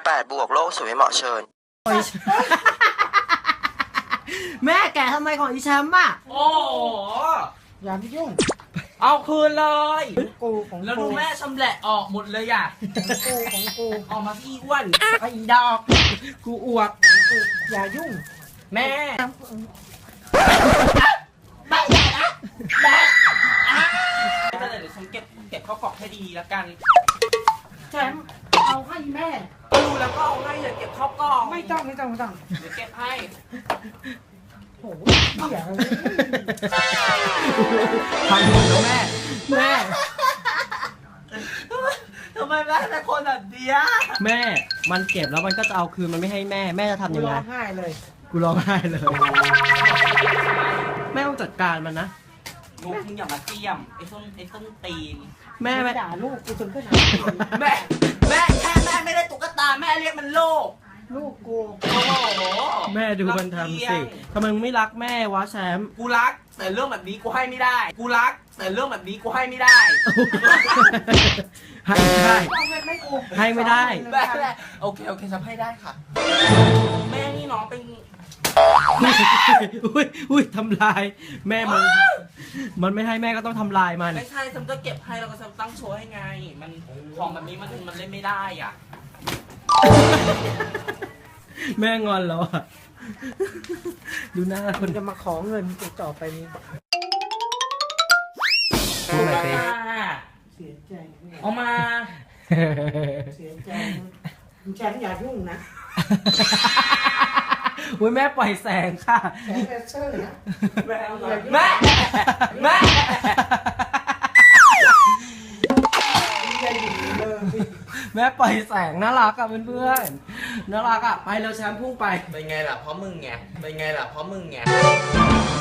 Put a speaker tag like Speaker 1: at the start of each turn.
Speaker 1: 8 บวกโลกสวยเหมาะเชิญ
Speaker 2: แม่แกะทำไมของอีแชมป์อ่ะ
Speaker 3: โอ้โห
Speaker 2: อย่าไปยุ่ง
Speaker 3: เอาคืนเลย
Speaker 2: กูของ
Speaker 3: แล้ว
Speaker 2: กู
Speaker 3: ดูแม่ชำแหละออกหมดเลยอ่ะ
Speaker 2: ของกู
Speaker 3: ออกมาพี่อ้วน
Speaker 2: ไอ้ดอกกูอวดอย่ายุ่ง
Speaker 3: แม่
Speaker 2: ไม่ได้นะแม่
Speaker 3: เดี๋ยวฉันเก็บเข้ากล่องให้ดีแล้วกัน
Speaker 2: แชมป์เอาให้แม่
Speaker 3: ดูแล้วก็เอาให้อย่าเก็บเข้ากล่อง
Speaker 2: ไม่ต้อง
Speaker 3: เดี๋ยวเก็บให้
Speaker 2: โอ้โหเหี้ย
Speaker 4: พังหมดแล้วแม่
Speaker 2: แม่
Speaker 3: ทำไมแม่เป็นคนแบบเนี้ย
Speaker 4: แม่ มันเก็บแล้วมันก็จะเอาคืนมันไม่ให้แม่ แม่จะทำยังไง
Speaker 2: ร้องไห้เลย
Speaker 4: กูร้องไห้เลย แม่ต้องจัดการมันนะ
Speaker 3: นุ๊กมึงอย่ามาเตี้ยมไอ้ส้นตีน
Speaker 4: แม่แม่
Speaker 2: ด่าลูกกูจนขนาดนี้
Speaker 3: แม่แม่ไม่ได้ตุ๊กตาแม่เรียกมันโลก
Speaker 2: ลูกกู
Speaker 3: โอ้โห
Speaker 4: แม่ดูมันทำสิทำไมมึงไม่รักแม่วะแชมป์
Speaker 3: กูรักแต่เรื่องแบบนี้กูให้ไม่ได้ กูรักแต่เรื่องแบบนี้กูให้ไม่ได้
Speaker 4: ให้ไม่ได้
Speaker 2: เอาเงินไม่กู
Speaker 4: ให้ไม่ได้
Speaker 3: แม่โอเคฉันให้ได้ค่ะ แม่นี่น้องเป็น
Speaker 4: อุ้ยทำลาย แม่มันไม่ให้แม่ก็ต้องทำลายมัน
Speaker 3: ไม่ใช่ฉันก็เก็บให้แล้วก็ฉันตั้งโชว์ให้ไง มันของแบบนี้มันเล่นไม่ได้อ่ะ
Speaker 4: แม่งอนแล้วอ่ะ ดูหน้าค
Speaker 2: มัน นจะมาขอเงินกูต่อไปนี้
Speaker 4: พูดหน่อยสิ
Speaker 2: เสียใจ
Speaker 3: เอามา
Speaker 2: เสียใจแชมป์อย่ายุ่งนะ
Speaker 4: อุ้ยแม่ปล่อยแสงค่ะ
Speaker 2: แชมป์เลเซอร์นะ
Speaker 3: แม่
Speaker 2: แม่
Speaker 3: แม่
Speaker 2: อย่าหยุดเลย
Speaker 4: แม่ปล่อยแสงน่ารักอ่ะเพื่อนๆน่ารักอ่ะ ไปเร็วแชมป์พุ่งไป
Speaker 3: เป็นไงล่ะเพราะมึงไง